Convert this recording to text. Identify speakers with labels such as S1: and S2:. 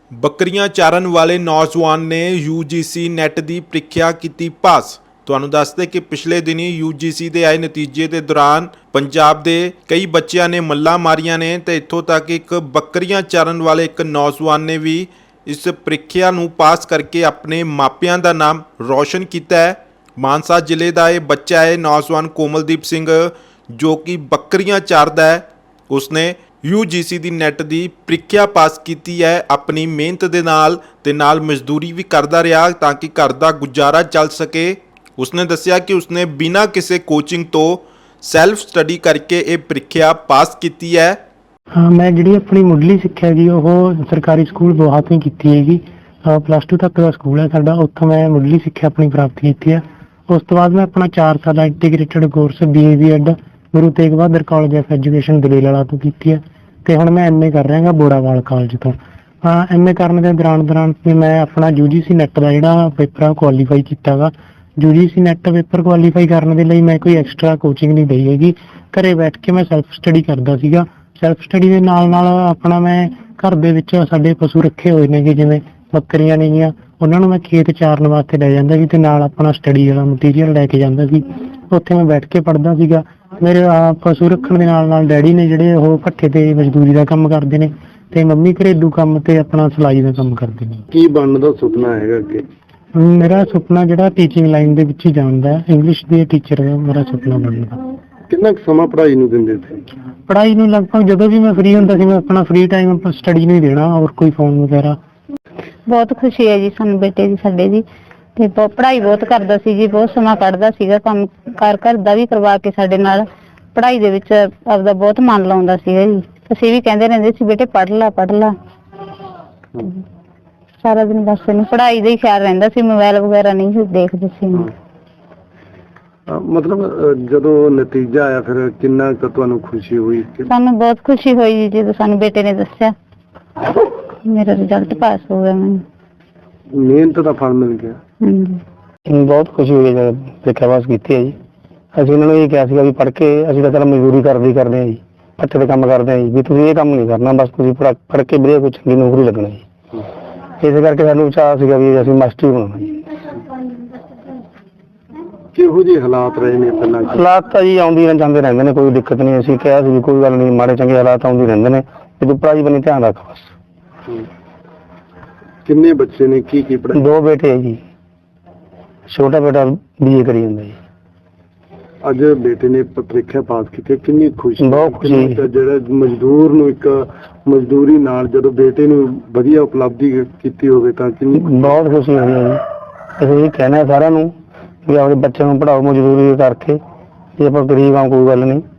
S1: ਬੱਕਰੀਆਂ ਚਾਰਨ ਵਾਲੇ ਨੌਜਵਾਨ ਨੇ ਯੂਜੀਸੀ ਨੈਟ ਦੀ ਪ੍ਰੀਖਿਆ ਕੀਤੀ ਪਾਸ। ਤੁਹਾਨੂੰ ਦੱਸਦੇ ਕਿ ਪਿਛਲੇ ਦਿਨੀ ਯੂਜੀਸੀ ਦੇ ਆਏ ਨਤੀਜੇ ਦੇ ਦੌਰਾਨ ਪੰਜਾਬ ਦੇ ਕਈ ਬੱਚਿਆਂ ਨੇ ਮੱਲਾਂ ਮਾਰੀਆਂ ਨੇ ਤੇ ਇੱਥੋਂ ਤੱਕ ਇੱਕ ਬੱਕਰੀਆਂ ਚਾਰਨ ਵਾਲੇ ਇੱਕ ਨੌਜਵਾਨ ਨੇ ਵੀ ਇਸ ਪ੍ਰੀਖਿਆ ਨੂੰ ਪਾਸ ਕਰਕੇ ਆਪਣੇ ਮਾਪਿਆਂ ਦਾ ਨਾਮ ਰੌਸ਼ਨ ਕੀਤਾ ਹੈ। ਮਾਨਸਾ ਜ਼ਿਲ੍ਹੇ ਦਾ ਇਹ ਬੱਚਾ ਹੈ ਨੌਜਵਾਨ ਕੋਮਲਦੀਪ ਸਿੰਘ, ਜੋ ਕਿ ਬੱਕਰੀਆਂ ਚਾਰਦਾ ਹੈ। ਉਸਨੇ यूजीसी ਦੀ ਨੈਟ ਦੀ ਪ੍ਰੀਖਿਆ ਪਾਸ ਕੀਤੀ ਹੈ ਆਪਣੀ ਮਿਹਨਤ ਦੇ ਨਾਲ ਤੇ ਨਾਲ ਮਜ਼ਦੂਰੀ ਵੀ ਕਰਦਾ ਰਿਹਾ ਤਾਂ ਕਿ ਘਰ ਦਾ ਗੁਜ਼ਾਰਾ ਚੱਲ ਸਕੇ। ਉਸਨੇ ਦੱਸਿਆ ਕਿ ਉਸਨੇ ਬਿਨਾਂ ਕਿਸੇ ਕੋਚਿੰਗ ਤੋਂ ਸੈਲਫ ਸਟੱਡੀ ਕਰਕੇ ਇਹ ਪ੍ਰੀਖਿਆ ਪਾਸ ਕੀਤੀ ਹੈ।
S2: हाँ, मैं जी अपनी मुढ़ली सिक्ख्या जी वो सरकारी स्कूल बोहा तो ही की हैगी। प्लस 2 तक का स्कूल है साडा, उत्थों मैं मुढ़ली सिक्ख्या अपनी प्राप्त की है। उस तो बाद मैं अपना 4 साल integrated course BA BEd Guru Tegh Bahadur college of education Dalel वाला तो की है। तो हुण मैं MA कर रहा बोड़ावाल कॉलेज तो। MA करने के दौरान मैं अपना UGC नैट का जिहड़ा पेपर कुआलीफाई किया गा। UGC नैट पेपर कुआलीफाई करने के लिए मैं कोई एक्सट्रा कोचिंग नहीं दी हैगी, घरे बैठ के मैं सैल्फ स्टडी करता सीगा। सैल्फ स्टडी के नाल अपना मैं घर दे विच साडे पशु रखे हुए ने जिवें बकरियां नेगियां, उन्हां नूं मैं खेत चारन वास्ते लै जांदा सी ते नाल अपना स्टडी वाला मटीरियल लैके जांदा सी। उत्थे मैं बैठ के पढ़दा सीगा। मेरे पशु रखण दे नाल डैडी ने जिहड़े ओह भट्ठे ते मजदूरी दा काम करदे ने ते मम्मी घरेलू काम ते अपना सिलाई दा काम करदे ने।
S3: की बनन दा सुपना हैगा अगे?
S2: मेरा सुपना जिहड़ा टीचिंग लाइन दे विच ही जाण दा, इंग्लिश दे टीचर दा मेरा सुपना बनन दा।
S3: कितना समा पढ़ाई नूं दिंदे थे?
S2: पढ़ाई नूं लगभग जदों भी मैं फ्री हुंदा सी मैं अपना फ्री टाइम स्टडी नूं ही देना और कोई फोन वगैरह।
S4: बहुत खुशी है जी सानू बेटे दी साडे दी ते पढ़ाई बहुत करदा सी जी, बहुत समा कढदा सीगा, काम कार घर दा भी करवा के साडे नाल पढ़ाई दे विच आपदा बहुत मन लाउंदा सीगा जी। ਅਸੀਂ ਵੀ ਕਹਿੰਦੇ ਰਹਿੰਦੇ ਸੀ ਬੇਟੇ ਪੜ੍ਹ ਲਾ। ਸਾਰਾ ਦਿਨ ਬਸ ਇਹਨੂੰ ਪੜ੍ਹਾਈ ਦਾ ਹੀ ਖਿਆਲ ਰਹਿੰਦਾ ਸੀ, ਮੋਬਾਈਲ ਵਗੈਰਾ ਨਹੀਂ ਦੇਖਦੇ ਸੀ।
S3: मतलब ਜਦੋਂ ਨਤੀਜਾ ਆਇਆ ਫਿਰ ਕਿੰਨਾ ਕੁ ਤੁਹਾਨੂੰ ਖੁਸ਼ੀ ਹੋਈ?
S4: ਸਾਨੂੰ ਬਹੁਤ ਖੁਸ਼ੀ ਹੋਈ ਜੀ ਜਦੋਂ ਸਾਨੂੰ ਬੇਟੇ ਨੇ ਦੱਸਿਆ ਮੇਰਾ ਰਿਜ਼ਲਟ ਪਾਸ ਹੋ ਗਿਆ। ਮੈਨੂੰ
S3: ਮਿਹਨਤ ਦਾ ਫਲ ਮਿਲ ਗਿਆ।
S2: ਬਹੁਤ ਖੁਸ਼ੀ ਹੋਈ ਜਦ ਪ੍ਰੀਖਿਆ ਪਾਸ ਕੀਤੀ ਹੈ ਜੀ। ਅਸੀਂ ਉਹਨਾਂ ਨੂੰ ਇਹ ਕਿਹਾ ਸੀਗਾ ਵੀ ਪੜ੍ਹ ਕੇ ਅਸੀਂ ਤਾਂ ਚਲ ਮਜ਼ਦੂਰੀ ਕਰਦੇ ਹਾਂ ਜੀ, ਭੱਠੇ ਤੇ ਕੰਮ ਕਰਦੇ ਹਾਂ ਜੀ, ਵੀ ਤੁਸੀਂ ਇਹ ਕੰਮ ਨਹੀਂ ਕਰਨਾ, ਬਸ ਤੁਸੀਂ ਪੜ੍ਹ ਕੇ ਵਧੀਆ ਕੋਈ ਚੰਗੀ ਨੌਕਰੀ ਲੱਗਣਾ ਜੀ। ਇਸੇ ਕਰਕੇ ਸਾਨੂੰ ਚਾਅ ਸੀਗਾ ਵੀ ਅਸੀਂ ਮਾਸਟਰ ਬਣਾਉਣਾ ਜੀ।
S3: ਕਿਹੋ ਜਿਹੇ ਹਾਲਾਤ ਰਹੇ ਨੇ ਪਹਿਲਾਂ?
S2: ਹਾਲਾਤ ਤਾਂ ਜੀ ਆਉਂਦੀ ਜਾਂਦੇ ਰਹਿੰਦੇ ਨੇ, ਕੋਈ ਦਿੱਕਤ ਨਹੀਂ। ਅਸੀਂ ਕਿਹਾ ਸੀ ਕੋਈ ਗੱਲ ਨਹੀਂ, ਮਾੜੇ ਚੰਗੇ ਹਾਲਾਤ ਆਉਂਦੇ ਰਹਿੰਦੇ ਨੇ, ਤੇ ਤੂੰ ਪੜ੍ਹਾਈ ਵੱਲ ਧਿਆਨ ਰੱਖ ਬਸ।
S3: ਕਿੰਨੇ ਬੱਚੇ ਨੇ? ਕੀ ਪੜ੍ਹਾਈ?
S2: 2 ਬੇਟੇ ਹੈ ਜੀ, ਛੋਟਾ ਬੇਟਾ BA ਕਰੀ ਜਾਂਦਾ ਜੀ।
S3: ਅੱਜ ਬੇਟੇ ਨੇ ਪ੍ਰੀਖਿਆ ਪਾਸ ਕੀਤੀ, ਕਿੰਨੀ ਖੁਸ਼ੀ?
S2: ਬਹੁਤ ਖੁਸ਼ੀ।
S3: ਜਿਹੜਾ ਮਜ਼ਦੂਰ ਨੂੰ ਇੱਕ ਮਜ਼ਦੂਰੀ ਨਾਲ ਜਦੋਂ ਬੇਟੇ ਨੂੰ ਵਧੀਆ ਉਪਲਬਧੀ ਕੀਤੀ ਹੋਵੇ ਤਾਂ ਕਿੰਨੀ
S2: ਬਹੁਤ ਖੁਸ਼ੀ ਹੋਈ ਹੈ ਜੀ। ਅਸੀਂ ਇਹ ਕਹਿਣਾ ਸਾਰਿਆਂ ਨੂੰ ਵੀ ਆਪਣੇ ਬੱਚਿਆਂ ਨੂੰ ਪੜ੍ਹਾਓ ਮਜ਼ਦੂਰੀ ਕਰਕੇ, ਜੇ ਆਪਾਂ ਗਰੀਬ ਆ ਕੋਈ ਗੱਲ ਨਹੀਂ।